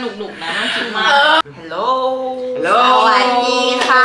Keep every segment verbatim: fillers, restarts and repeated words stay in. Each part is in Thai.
นุกหนุกนะไม่ต้องคิดมากฮัลโหลฮัลโหลสวัสดีค่ะ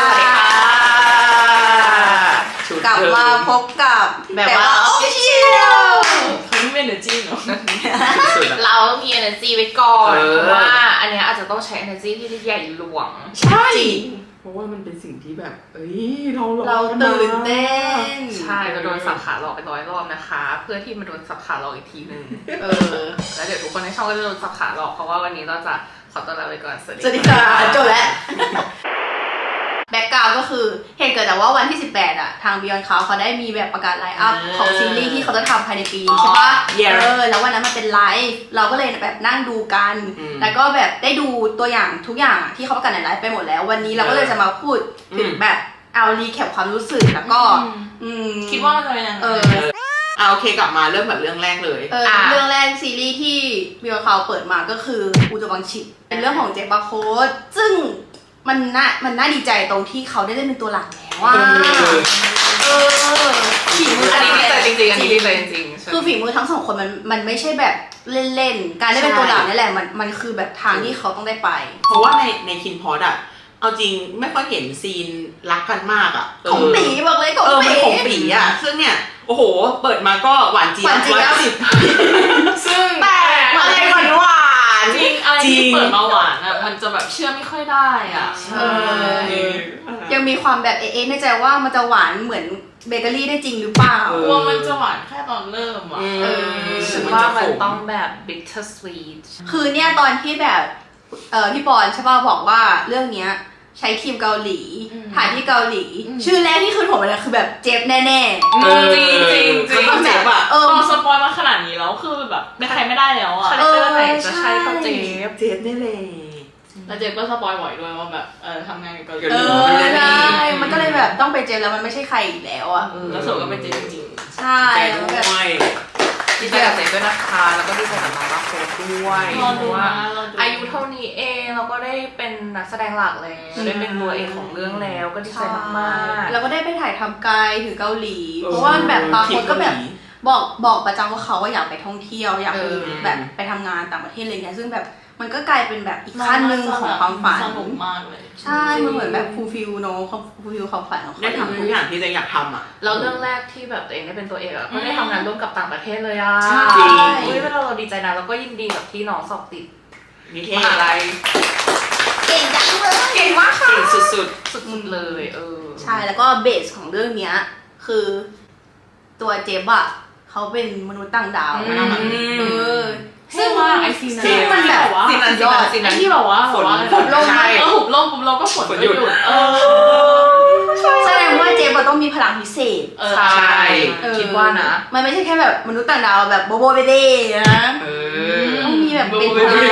กลับมาพบกับแบบว่า official เขาไม่เป็น energy เนาะเราต้องมี energy ไว้ก่อนเพราะว่าอันนี้อาจจะต้องใช้ energy ที่ใหญ่หลวงใช่เพราะว่ามันเป็นสิ่งที่แบบเอ้ยเราเราตื่นเต้นใช่เราโดนสับขาหลอกไปร้อยรอบนะคะเพื่อที่มาโดนสับขาหลอกอีกทีนึงเออแล้วเดี๋ยวทุกคนในช่องก็จะโดนสับขาหลอกเพราะว่าวันนี้เราจะขอต้อนรับไปก่อนสวัสดีค่ะจบแล้วแบ็กกราวด์ก็คือเหตุเกิดจากว่าวันที่สิบแปดอะทาง Beyond Cloud เขาได้มีแบบประกาศไลน์อัพของซีรีส์ที่เขาจะทำภายในปีใช่ปะเออแล้ววันนั้นมันเป็นไลฟ์เราก็เลยแบบนั่งดูกันแล้วก็แบบได้ดูตัวอย่างทุกอย่างที่เขาประกาศในไลฟ์ไปหมดแล้ววันนี้เราก็เลยจะมาพูดถึงแบบเอารีแคปความรู้สึกแล้วก็คิดว่ามันจะเป็นยังไงเอออ่าโอเคกลับมาเริ่มแบบเรื่องแรกเลยเออเรื่องแรกซีรีส์ที่ Beyond Cloud เปิดมาก็คืออูจบังชิเป็นเรื่องของเจบาโค้ดซึ่งมันน่ามันน่าดีใจตรงที่เขาได้เล่นเป็นตัวหลักแล้วว่าเออฝีมืออันนี้ดีใจจริงๆอันนี้ดีใจจริงๆคือฝีมือทั้งสองคนมันมันไม่ใช่แบบเล่นๆการได้เป็นตัวหลักนี่แหละมันมันคือแบบทางที่เขาต้องได้ไปเพราะว่าในในคินพอดอะเอาจริงไม่ค่อยเห็นซีนรักกันมากอะของปีบอกเลยของปีของปีอะซึ่งเนี่ยโอ้โหเปิดมาก็หวานเจี๊ยบร้อยเก้าสิบซึ่งแต่อะไรหวานหวานจริงอะไรที่เปิดมาหวานอะมันจะแบบเชื่อไม่ค่อยได้อะยังมีความแบบเอ๊ะในใจว่ามันจะหวานเหมือนเบเกอรี่ได้จริงหรือเปล่ากลัวมันจะหวานแค่ตอนเริ่มอะฉันว่ามันต้องแบบ bitter sweet คือเนี่ยตอนที่แบบเออพี่บอลใช่ป่ะบอกว่าเรื่องเนี้ยใช้ทีมเกาหลีถ่ายที่เกาหลีชื่อแรกที่ขึ้นผมเลยคือแบบเจฟแน่ๆจริงจริงจริงเจฟอะเออสปอยมาขนาดนี้แล้วคือแบบไม่ใครไม่ได้แล้วอะคาแรคเตอร์ไหนจะใช่ก็เจฟเจฟได้เลยแล้วเจฟก็สปอยบ่อยด้วยว่าแบบเออทำงานกับเกาหลีเออใช่มันก็เลยแบบต้องไปเจฟแล้วมันไม่ใช่ใครอีกแล้วอะแล้วสุดก็เป็นเจฟจริงใช่แล้วแบบดีใจกับเจฟด้วยนะคะแล้วก็ดีใจกับน้องรักโค้ดด้วยเพราะว่าอายุเท่านี้เองเราก็ได้เป็นนักแสดงหลักแล้วได้เป็นตัวเอกของเรื่องแล้วก็ดีใจมากๆแล้วก็ได้ไปถ่ายทำไกลถึงเกาหลีเพราะว่าแบบบางคนก็แบบบอกบอกประจำว่าเขาว่าอยากไปท่องเที่ยวอยากไปแบบไปทำงานต่างประเทศอะไรเงี้ยซึ่งแบบมันก็กลายเป็นแบบอีกขั้นหนึ่งของความฝันสนุกมากเลยใช่มันเหมือนแบบฟูลฟิลเนาะฟูลฟิลความฝันของเขาได้ทำทุกอย่างที่ตัวเองอยากทำอ่ะแล้วเรื่องแรกที่แบบตัวเองได้เป็นตัวเอกอ่ะก็ได้ทำงานร่วมกับต่างประเทศเลยอ่ะจริงเฮ้ยเราดีใจนะแล้วก็ยินดีกับที่น้องสอบติดนิเทศอะไรเก่งจังเลยเก่งมากค่ะเก่งสุดๆสุดๆเลยเออใช่แล้วก็เบสของเรื่องเนี้ยคือตัวเจฟอะเขาเป็นมนุษย์ต่างดาวเออซึ่งว่าไอซีซึ่งมันแบบซีนันยอดซีนันที่แบบว่าฝนฝนลงเออหุบลมหุบลมก็ฝนก็หยุดเออแสดงว่าเจฟต้องมีพลังพิเศษใช่คิดว่านะมันไม่ใช่แค่แบบมนุษย์ต่างดาวแบบโบโบเบเบ้นะต้องมีแบบเป็นพลัง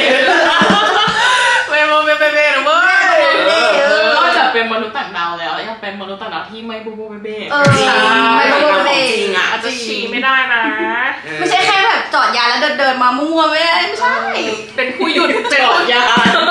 เวโบเบเบ้นะเว้ยนอกจากเป็นมนุษย์ต่างดาวแล้วยังเป็นมนุษย์ต่างดาวที่ไม่โบโบเบเบ้ไม่โบโบเบเบ้จริงอ่ะอาจจะฉี่ไม่ได้นะไม่ใช่แค่แบบจอดยาแล้วเดินมามั่วๆไม่ได้ไม่ใช่เป็นผู้หยุดจอดยา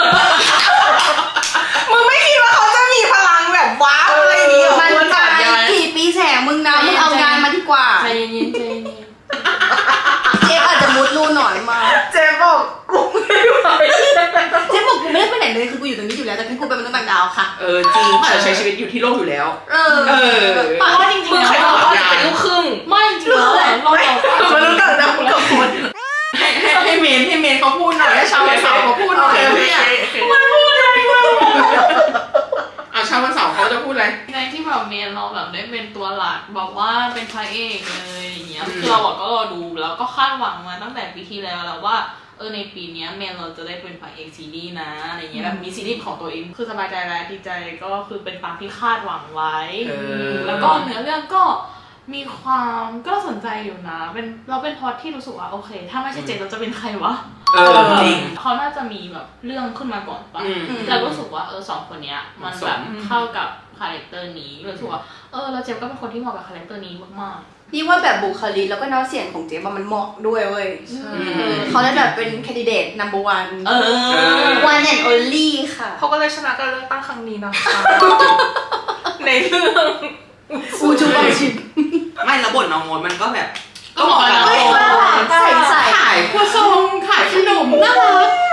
มึงไม่คิดว่าเขาจะมีพลังแบบว้าวอะไรนี้หรอมันจอดยากี่ปีแสงมึงนะมึงเอางานมาดีกว่าใจเย็นใจเย็นเจ๊อาจจะมุดรูหน่อยมาเจ๊บอกกูไม่ไหวเจ๊บอกกูไม่ได้ไปไหนเลยคือกูอยู่ตรงนี้อยู่แล้วแต่กูเป็นมนุษย์ต่างดาวค่ะเออจริงเขาใช้ชีวิตอยู่ที่โลกอยู่แล้วเออเออเพราะว่าจริงๆใครบอกว่าเป็นลูกครึ่งไม่จริงๆเราเรามนุษย์ต่างดาวกับคนให้ให้เมนให้เมนเขาพูดหน่อยให้ชาววันเสาร์เขาพูดหน่อยมันพูดอะไรวะอ่ะชาววันเสาร์เขาจะพูดอะไรในที่แบบเมนเราแบบได้เป็นตัวหลักบอกว่าเป็นพระเอกเลยอย่างเงี้ยคือเราก็รอดูแล้วก็คาดหวังมาตั้งแต่ปีที่แล้วแล้วว่าเออในปีนี้เมนเราจะได้เป็นพระเอกซีรีส์นะอะไรเงี้ยแบบมีซีรีส์ของตัวเองคือสบายใจแล้วดีใจก็คือเป็นตามที่คาดหวังไว้แล้วก็เนื้อเรื่องก็มีความก็สนใจอยู่นะเป็นเราเป็นพอดที่รู้สึกว่าโอเคถ้าไม่ใช่เจนเราจะเป็นใครวะเออจริงเขาน่าจะมีแบบเรื่องขึ้นมาก่อนปะแล้วก็รู้สึกว่าเออสองคนเนี้ยมันแบบเข้ากับคาแรคเตอร์นี้รู้สึกว่าเออเราเจมก็เป็นคนที่เหมาะกับคาแรคเตอร์นี้มากๆนี่ว่าแบบบุคลิกแล้วก็น้ำเสียงของเจมมันเหมาะด้วยเว้ยเขาได้แบบเป็นแคนดิเดต นัมเบอร์ วันเออ one and only ค่ะเขาก็เลยชนะการเลือกตั้งครั้งนี้นะคะในเรื่องอูจูบังชิมไม่แล้วบทน้องโมดมันก็แบบก็เหมาะกับใส่ใส่ขายครัวซองขายขนมน่ารัก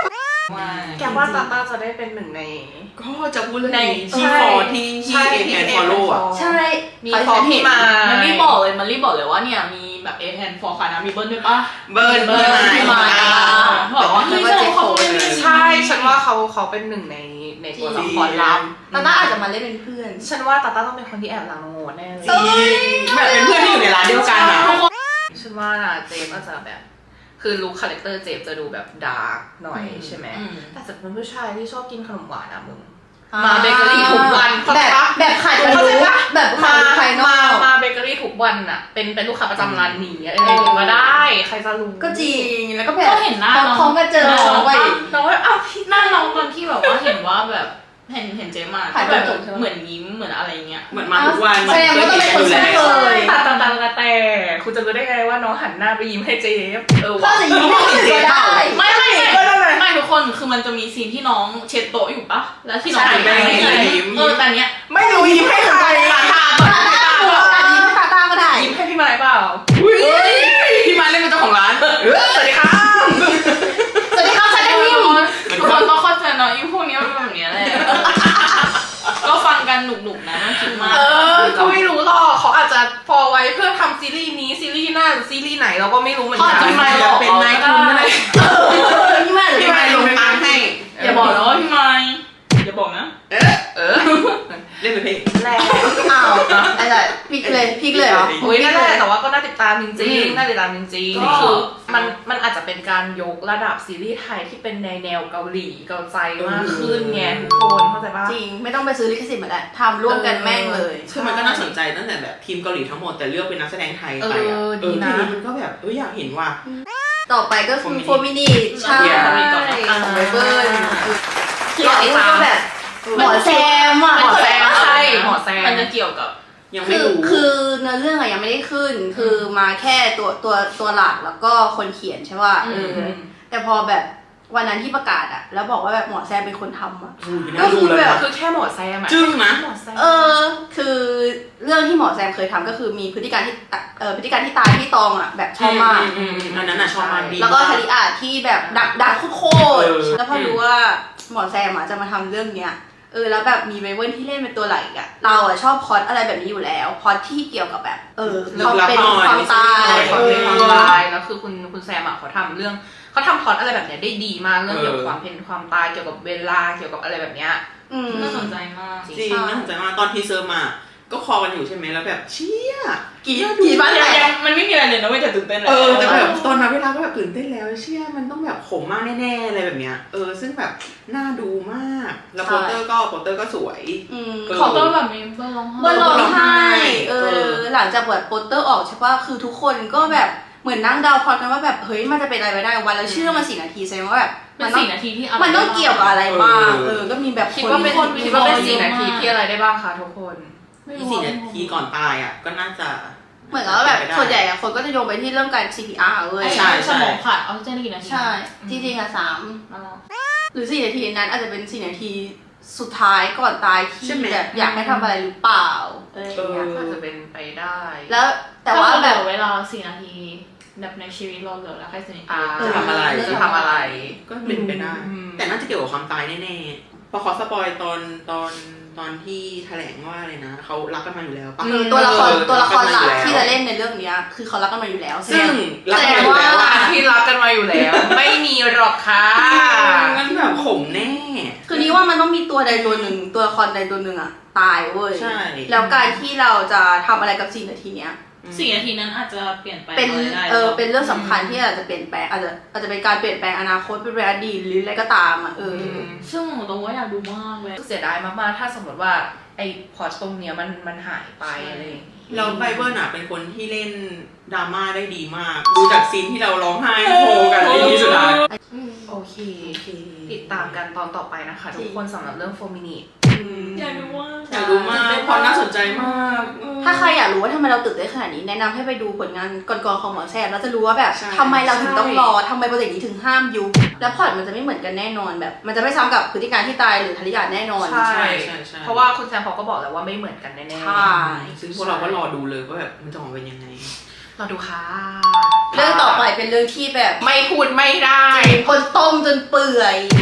แกว่าตาตาจะได้เป็นหนึ่งในก็จะพูดเรื่องนี้ที่ฟอที่ที่เอแพนฟอลโล่อะใช่มีฟอพี่มามันรีบบอกเลยมันรีบบอกเลยว่าเนี่ยมีแบบเอแพนฟอร์คานะมีเบิ้ลด้วยปะเบิ้ลเบิ้ลพี่มาบอกว่าคือเขาเป็นใช่ฉันว่าเขาเขาเป็นหนึ่งในในตัวละครลับตาต้าอาจจะมาเล่นเป็นเพื่อนฉันว่าตาต้าต้องเป็นคนที่แอบรังโง่แน่เลยแบบเป็นเพื่อนที่อยู่ในร้านเดียวกันอะฉันว่าเจมก็จะแบบคือลุคคาแรคเตอร์เจฟจะดูแบบดาร์กหน่อยใช่ไหมแต่จะเป็นผู้ชายที่ชอบกินขนมหวานอะมึงมาเบเกอรี่ทุกวันแบบแบบขายกันรู้แบบขายภายนอกมาเบเกอรี่ทุกวันอะเป็นเป็นลูกค้าประจำร้านนี้อะไรอย่างเงี้ยมาได้ใครจะรู้ก็จริงแล้วก็แบบก็เห็นหน้าน้องก็เจอน้องไปน้องว่าอ้าวพี่หน้าน้องตอนที่แบบว่าเห็นว่าแบบเห็นเห็นเจมาแบบเหมือนยิ้มเหมือนอะไรเงี้ยเหมือนมาทุกวันแสดงว่าต้องเป็นคนเช่นเคยตาตาตาตาแต่คุณจะรู้ได้ไงว่าน้องหันหน้าไปยิ้มให้เจฟเออว่าจะยิ้มให้เจฟได้ไม่ไม่ไม่ทุกคนคือมันจะมีซีนที่น้องเช็ดโต๊ะอยู่ปะแล้วที่น้องยิ้มเออแต่เนี้ยไม่รู้ยิ้มให้ใครตาตาตาตายิ้มตาตาก็ได้ยิ้มให้พี่ไม้เปล่าพี่ไม้เล่นเป็นเจ้าของร้านสวัสดีครับสวัสดีครับฉันได้ยิ้มทุกคนก็เข้าใจเนาะยิ้มพวกนี้มันแบบนี้แหละก็ฟังกันหนุกๆนะน่าคิดมากเออก็ไม่รู้หรอกเขาอาจจะพอไว้เพื่อทำซีรีส์นี้ซีรีส์หน้าหรือซีรีส์ไหนเราก็ไม่รู้เหมือนกันพี่ไมค์เป็นนายทุนอะไรพี่ไมค์พี่ไมค์ลงตังค์ให้อย่าบอกนะว่าพี่ไมค์อย่าบอกนะเออเออเล่นเป็นเพลงแรงอ้าวอะไรพีกเลยพีกเลยเหรอโอ้ยนั่นแหละแต่ว่าก็น่าติดตามจริงๆน่าติดตามจริงๆคือมันมันอาจจะเป็นการยกระดับซีรีส์ไทยที่เป็นในแนวเกาหลีเกาใจมากขึ้นไงทุกคนเข้าใจป่ะจริงไม่ต้องไปซื้อลิขสิทธิ์มาแล้วทำร่วมกันแม่งเลยคือมันก็น่าสนใจตั้งแต่แบบทีมเกาหลีทั้งหมดแต่เลือกเป็นนักแสดงไทยไปอ่ะเออทีนี้มันก็แบบเอออยากเห็นว่าต่อไปก็คือโฟมินิใช่ไบเบิลที่เราติดตามแบบหมอแซมอ่ะหมอแซมใช่หมอแซมมันจะเกี่ยวกับยังไม่รู้คือเนื้อเรื่องอะยังไม่ได้ขึ้นคือมาแค่ตัวตัวตัวหลักแล้วก็คนเขียนใช่ป่ะเออแต่พอแบบวันนั้นที่ประกาศอะแล้วบอกว่าแบบหมอแซมเป็นคนทำอะก็คือแบบคือแค่หมอแซมอะจึ้งนะเออคือเรื่องที่หมอแซมเคยทำก็คือมีพฤติการที่เออพฤติการที่ตายที่ตองอะแบบชอบมากอันนั้นอะชอบมากดีแล้วก็ทาริอาที่แบบดักดักโคตรแล้วพอรู้ว่าหมอแซมอะจะมาทำเรื่องเนี้ยเออแล้วแบบมีไบเบิลที่เล่นเป็นตัวหลักอะเราอะชอบพล็อตอะไรแบบนี้อยู่แล้วพล็อตที่เกี่ยวกับแบบเออความเป็นความตายความเป็นความตายแล้วคือคุณคุณแซมอะเขาทำเรื่องเขาทำพล็อตอะไรแบบเนี้ยได้ดีมากเรื่องเกี่ยวกับความเป็นความตายเกี่ยวกับเวลาเกี่ยวกับอะไรแบบเนี้ยน่าสนใจมากจริงน่าสนใจมากตอนทีเซอร์มาก็คอกันอยู่ใช่ไหมแล้วแบบเชี่ยกี่กี่บ้านแตกมันไม่มีอะไรเลยนะไม่จะตื่นเต้นเลยเออแต่แบบตอนนั้นเวลาก็แบบตื่นเต้นแล้วเชี่ยมันต้องแบบขมมากแน่ๆอะไรแบบเนี้ยเออซึ่งแบบน่าดูมากแล้วโปสเตอร์ก็โปสเตอร์ก็สวยขอต้อนแบบมีเบอร์ร้องไห้เบอร์ร้องไห้เออหลังจากเปิดโปสเตอร์ออกใช่ป่ะคือทุกคนก็แบบเหมือนนั่งเดาพอกันว่าแบบเฮ้ยมันจะเป็นอะไรไปได้วันแล้วชื่อมันสี่นาทีแสดงว่าแบบมันสี่นาทีที่มันต้องเกี่ยวกับอะไรบ้างเออก็มีแบบคิดว่าเป็นคิดว่าเป็นสี่นาทีที่อะไรได้บ้างคะทุกคนอีสี่นาทีก่อนตายอ่ะก็น่าจะเหมือนกับแบบส่วนใหญ่คนก็จะโยงไปที่เรื่องการ ซี พี อาร์ เว้ยใช่สมองขาดออกซิเจนกี่นาทีใช่จริงๆอ่ะสามหรือสี่นาทีนั้นอาจจะเป็นสี่นาทีสุดท้ายก่อนตายที่แบบอยากให้ทำอะไรหรือเปล่าอะไรอย่างเงี้ยอาจจะเป็นไปได้แล้วแต่ว่าแบบเวลาสี่นาทีแบบในชีวิตเราเหลือแล้วแค่สี่นาทีจะทำอะไรจะทำอะไรก็เป็นไปได้แต่น่าจะเกี่ยวกับความตายแน่ๆพอขอสปอยตอนตอนตอนที่แถลงว่าอะไรนะเขารักกันมาอยู่แล้วปะตัวละครตัวละครหลักที่จะเล่นในเรื่องนี้คือเขารักกันมาอยู่แล้วซึ่งแสดงว่าที่รักกันมาอยู่แล้วไม่มีหรอกค่ะงั้นแบบขมแน่คือนี้ว่ามันต้องมีตัวใดตัวหนึ่งตัวละครใดตัวหนึ่งอะตายเว้ยแล้วการที่เราจะทำอะไรกับสี่นาทีเนี้ยสี่นาทีนั้นอาจจะเปลี่ยนแปลงเป็นเออเป็นเรื่องสำคัญที่อาจจะเปลี่ยนแปลงอาจจะอาจจะเป็นการเปลี่ยนแปลงอนาคตเป็นอดีตหรืออะไรก็ตามอ่ะเออซึ่งตัวว่าอยากดูมากเลยเสียดายมากๆถ้าสมมติว่าไอ้พอร์ตตรงเนี้ยมันมันหายไปอะไรอย่างเงี้ยเราไบเบิลน่ะเป็นคนที่เล่นดราม่าได้ดีมากดูจากซีนที่เราร้องไห้โฮกันในที่สุดท้ายโอเคติดตามกันตอนต่อไปนะคะทุกคนสำหรับเรื่องโฟมินิอยากดูมากอยากดูมากเพราะน่าสนใจมากถ้าใครอยากรู้ว่าทำไมเราตื่นเต้นขนาดนี้แนะนำให้ไปดูผลงานก่อนๆของหมอแซมแล้วจะรู้ว่าแบบทำไมเราถึงต้องรอทำไมโปรเจกต์นี้ถึงห้ามยุบแล้วพอร์ตมันจะไม่เหมือนกันแน่นอนแบบมันจะไม่ซ้ำกับพฤติการที่ตายหรือทาริยาแน่นอนใช่เพราะว่าคุณแซมเขาก็บอกแล้วว่าไม่เหมือนกันแน่ๆใช่ซึ่งพวกเราก็รอดูเลยว่าแบบมันจะออกเป็นยังไงรอดูค่ะเรื่องต่อไปเป็นเรื่องที่แบบไม่พูดไม่ได้คนต้มจนเปื่อย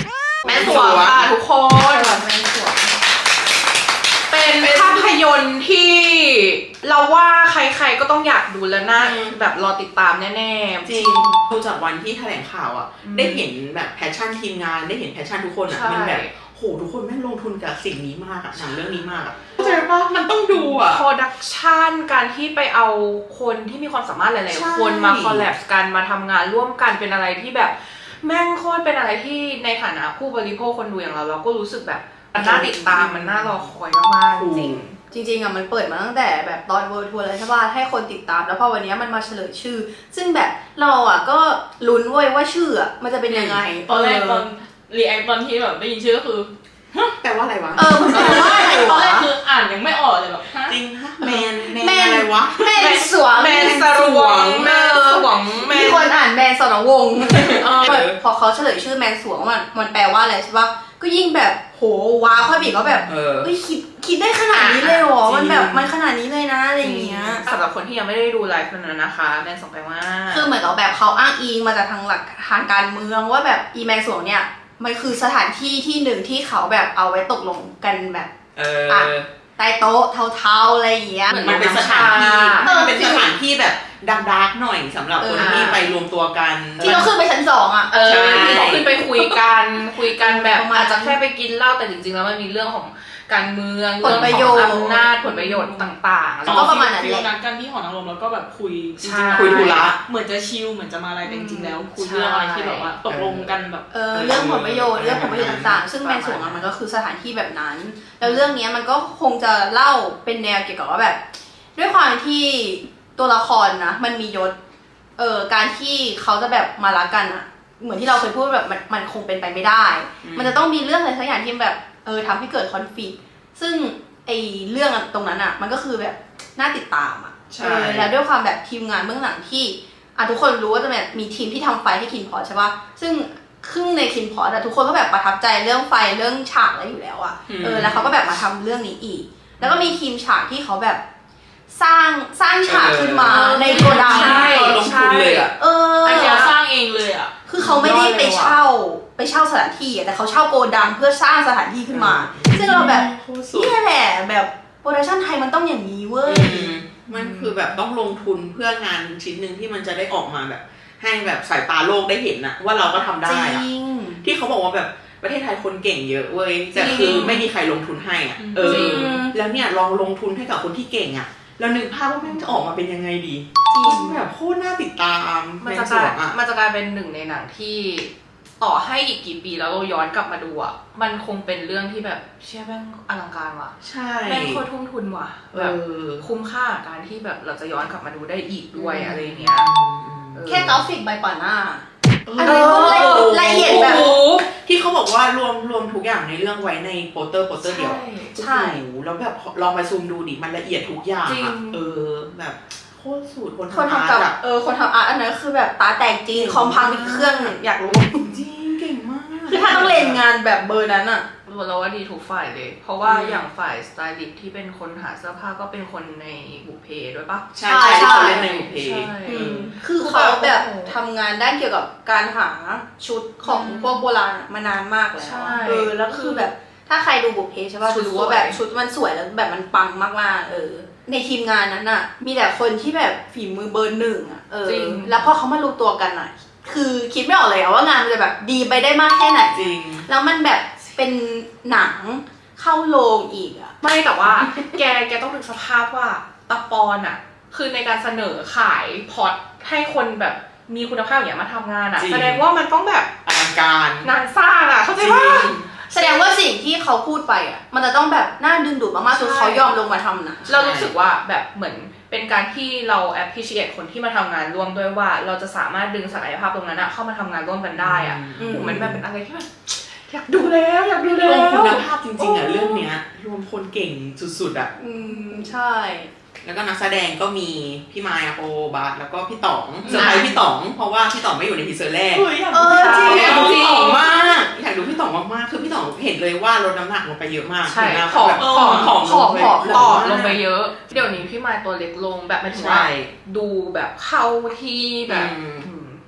แม่สวงค่ะทุกคนแม่สวงเป็นภาพยนตร์ที่เราว่าใครๆก็ต้องอยากดูแล้วนะแบบรอติดตามแน่ๆจริงดูจากวันที่แถลงข่าวอ่ะได้เห็นแบบแพชชั่นทีมงานได้เห็นแพชชั่นทุกคนอ่ะมันแบบโหทุกคนแม่งลงทุนกับสิ่งนี้มากอ่ะหนังเรื่องนี้มากอ่ะเข้าใจปะมันต้องดูอ่ะโปรดักชันการที่ไปเอาคนที่มีความสามารถหลายๆคนมาคอลแลบกันมาทำงานร่วมกันเป็นอะไรที่แบบแม่งโคตรเป็นอะไรที่ในฐานะผู้บริโภคคนดูอย่างเราเราก็รู้สึกแบบมันน่าติดตามมันน่ารอคอยมากๆจริงจริงๆอ่ะมันเปิดมาตั้งแต่แบบตอนเวิร์ทัวร์เลยใช่ป่ะให้คนติดตามแล้วพอวันนี้มันมาเฉลยชื่อซึ่งแบบเราอ่ะก็ลุ้นเว้ยว่าชื่ออ่ะมันจะเป็นยังไงตอนแรกตอนรีแอคตอนที่แบบได้ยินชื่อก็คือแปลว่าอะไรวะเออมันแปลว่าอะไรวะตอนแรกคืออ่านยังไม่ออกเลยแบบจริงฮะแมนแมนอะไรวะแมนสวงแมนสวงแมนสวงมีคนอ่านแมนสรวงพอเขาเฉลยชื่อแมนสวงมันมันแปลว่าอะไรใช่ป่ะก็ยิ่งแบบโหว้าวค่อยบีก็แบบเฮ้ยคิดคิดได้ขนาดนี้เลยหรอมันแบบมันขนาดนี้เลยนะอะไรอย่างเงี้ยสำหรับคนที่ยังไม่ได้ดูไลฟ์นั้นนะคะแมนสวงแปลว่าคือเหมือนกับแบบเขาอ้างอิงมาจากทางหลักทางการเมืองว่าแบบอีแมนสวงเนี่ยมันคือสถานที่ที่หนึ่งที่เขาแบบเอาไว้ตกลงกันแบบเออใต้โต๊ะเทาๆอะไรอย่างเงี้ยมันเป็นสถานที่มันเป็นสถานที่แบบดักๆหน่อยสำหรับคนที่ไปรวมตัวกันที่เราขึ้นไปชั้นสองอ่ะเออที่เขาขึ้นไปคุยกันคุยกันแบบอาจจะแค่ไปกินเหล้าแต่จริงๆแล้วมันมีเรื่องของการเมืองผลประโยชน์อำนาจผลประโยชน์ต่างๆแล้วก็ประมาณนั้นแหละนัดกันที่หอนางรมแล้วก็แบบคุยจริงๆคุยธุระเหมือนจะชิลเหมือนจะมาอะไรแต่จริงๆแล้วคุยเรื่องอะไรที่แบบว่าตกลงกันแบบเออเรื่องผลประโยชน์เรื่องผลประโยชน์ต่างๆซึ่งแมนสวงมันก็คือสถานที่แบบนั้นแล้วเรื่องนี้มันก็คงจะเล่าเป็นแนวเกี่ยวกับว่าแบบด้วยความที่ตัวละครนะมันมียศเออการที่เขาจะแบบมารักกันอะเหมือนที่เราเคยพูดแบบมันมันคงเป็นไปไม่ได้มันจะต้องมีเรื่องอะไรสักอย่างที่แบบเออทำให้เกิดคอนฟลิกต์ซึ่งไอเรื่องตรงนั้นอ่ะมันก็คือแบบน่าติดตามอ่ะใช่แล้วด้วยความแบบทีมงานเบื้องหลังที่อ่ะทุกคนรู้ว่าจะแบบมีทีมที่ทำไฟให้คินพอใช่ป่ะซึ่งครึ่งในคินพอแต่ทุกคนก็แบบประทับใจเรื่องไฟเรื่องฉากอะไรอยู่แล้วอ่ะเออแล้วเขาก็แบบมาทำเรื่องนี้อีกแล้วก็มีทีมฉากที่เขาแบบสร้างสร้างฉากขึ้นมาในโกดังใช่ลงทุนเลยอ่ะเอออันนี้สร้างเองเลยอ่ะคือเขาไม่ได้ไปเช่าไปเช่าสถานที่แต่เขาเช่าโกดังเพื่อสร้างสถานที่ขึ้นมาซึ่งเราแบบนี่แหละแบบโปรดักชั่นไทยมันต้องอย่างนี้เว้ยมันคือแบบต้องลงทุนเพื่องานชิ้นหนึ่งที่มันจะได้ออกมาแบบให้แบบสายตาโลกได้เห็นนะว่าเราก็ทำได้อะที่เขาบอกว่าแบบประเทศไทยคนเก่งเยอะเว้ยแต่คือไม่มีใครลงทุนให้อ่ะเออแล้วเนี่ยลองลงทุนให้กับคนที่เก่งอ่ะแล้วนึกภาพว่าแม่งจะออกมาเป็นยังไงดีแบบโคตรน่าติดตามมันจะกลายมันจะกลายเป็นหนึ่งในหนังที่ต่อให้อีกกี่ปีแล้วเราย้อนกลับมาดูอ่ะมันคงเป็นเรื่องที่แบบเชื่อแม่งอลังการว่ะใช่แม่งโคตรทุ่มทุนว่ะแบบคุ้มค่าการที่แบบเราจะย้อนกลับมาดูได้อีกด้วยอะไรเงี้ยแค่กราฟิกใบก่อนหน้าอะไรก็ละเอียดแบบที่เขาบอกว่ารวมรวมทุกอย่างในเรื่องไว้ในโปสเตอร์โปสเตอร์เดียวใช่แล้วแบบลองไปซูมดูดิมันละเอียดทุกอย่างอ่ะเออแบบโคตรสุดคนทำอาร์ตเออคนทำอาร์ตอันนั้นคือแบบตาแตกจริงคอมพังอีกเครื่องอยากรู้จริงเก่งมากคือถ้าต้องเล่นงานแบบเบอร์นั้นอ่ะเราว่าดีทุกฝ่ายเลยเพราะว่าอย่างฝ่ายสไตลิสต์ที่เป็นคนหาเสื้อผ้าก็เป็นคนในบุพเพด้วยปะใช่ใช่ที่เขาเล่นในบุพเพคือเขาแบบทำงานด้านเกี่ยวกับการหาชุดของพวกโบราณมานานมากแล้วเออแล้วคือแบบถ้าใครดูบุพเพใช่ป่ะจะรู้ว่าแบบชุดมันสวยแล้วแบบมันปังมากๆเออในทีมงานนั้นน่ะมีแต่คนที่แบบฝีมือเบอร์หนึ่งอ่ะเออแล้วพอเขามารวมตัวกันอ่ะคือคิดไม่ออกเลยว่างานมันจะแบบดีไปได้มากแค่ไหนจริงแล้วมันแบบเป็นหนังเข้าโรงอีกอ่ะไม่แต่ว่าแกแกต้องนึกสภาพว่าตะปอนอ่ะคือในการเสนอขายพอร์ตให้คนแบบมีคุณภาพอย่างมาทำงานอ่ะแสดงว่ามันต้องแบบอลังการงานสร้างอ่ะเข้าใจป่ะแสดงว่าสิ่งที่เขาพูดไปอ่ะมันจะต้องแบบน่าดึงดูดมากๆจนเขายอมลงมาทำนะเรารู้สึกว่าแบบเหมือนเป็นการที่เรา appreciate คนที่มาทำงานร่วมด้วยว่าเราจะสามารถดึงศักยภาพตรงนั้นเข้ามาทำงานร่วมกันได้อ่ะมันแบบเป็นอะไรที่แบบอยากดูแล้วอยากดูแล้วรวมคุณภาพจริงๆอ่ะเรื่องเนี้ยรวมคนเก่งสุดๆอ่ะอืมใช่แล้วก็นักแสดงก็มีพี่มายโอบาสแล้วก็พี่ต๋องเซอร์ไพรส์พี่ต๋องเพราะว่าพี่ต๋องไม่อยู่ในทีเซอร์แรกเออจริงอยากดูพี่ต๋องมากอยากดูพี่ต๋องมากๆคือพี่ต๋องเห็นเลยว่าลดน้ำหนักลงไปเยอะมากใช่ผอมผอมผอมผอมผอมต่อลงไปเยอะเดี๋ยวนี้พี่มายตัวเล็กลงแบบไม่ถึงว่าดูแบบเข้าที่แบบ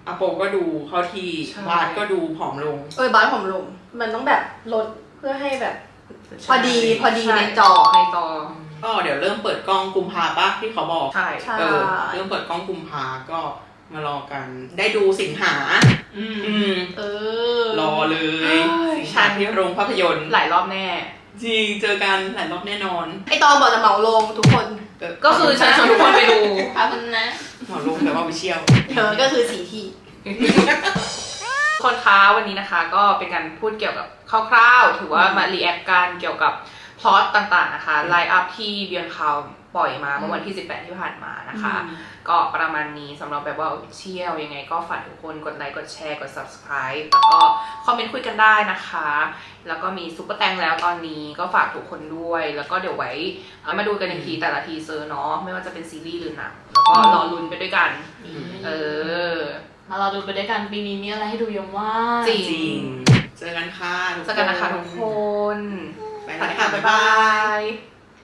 อโปก็ดูเข้าที่บาสก็ดูผอมลงเออบาสผอมลงมันต้องแบบลดเพื่อให้แบบพอดีพอดีในจอในจอก็เดี๋ยวเริ่มเปิดกล้องกุมภาปะที่เขาบอกใช่เออเริ่มเปิดกล้องกุมภาก็มารอกันได้ดูสิงหาอืมอืมเออรอเลยสิงหาที่โรงภาพยนตร์หลายรอบแน่จริงเจอกันหลายรอบแน่นอนไอตอนบอกจะเหมาลงทุกคนก็คือเชิญชวนทุกคนไปดูครับนะเหมาลงแต่ว่าไปเชี่ยวเธอก็คือสีที่คนค้าวันนี้นะคะก็เป็นการพูดเกี่ยวกับคร่าวๆถือว่ามารีแอคกันเกี่ยวกับพล็อตต่างๆนะคะไลน์อัพที่เบียนคาวปล่อยมาเมื่อวันที่สิบแปดที่ผ่านมานะคะก็ประมาณนี้สำหรับแบบว่าเชี่ยวยังไงก็ฝากทุกคนกดไลค์กดแชร์กด subscribe แล้วก็คอมเมนต์คุยกันได้นะคะแล้วก็มีซุปเปอร์แตงแล้วตอนนี้ก็ฝากทุกคนด้วยแล้วก็เดี๋ยวไว้มาดูกันอีกทีแต่ละทีเซอร์เนาะไม่ว่าจะเป็นซีรีส์หรือหนังแล้วก็รอลุ้นไปด้วยกันเออมาเราดูไปด้วยกันปีนี้มีอะไรให้ดูเยอะมากจริงเจอกันค่ะเจอกันนะคะทุกคนไปแล้วค่ะบ๊ายบาย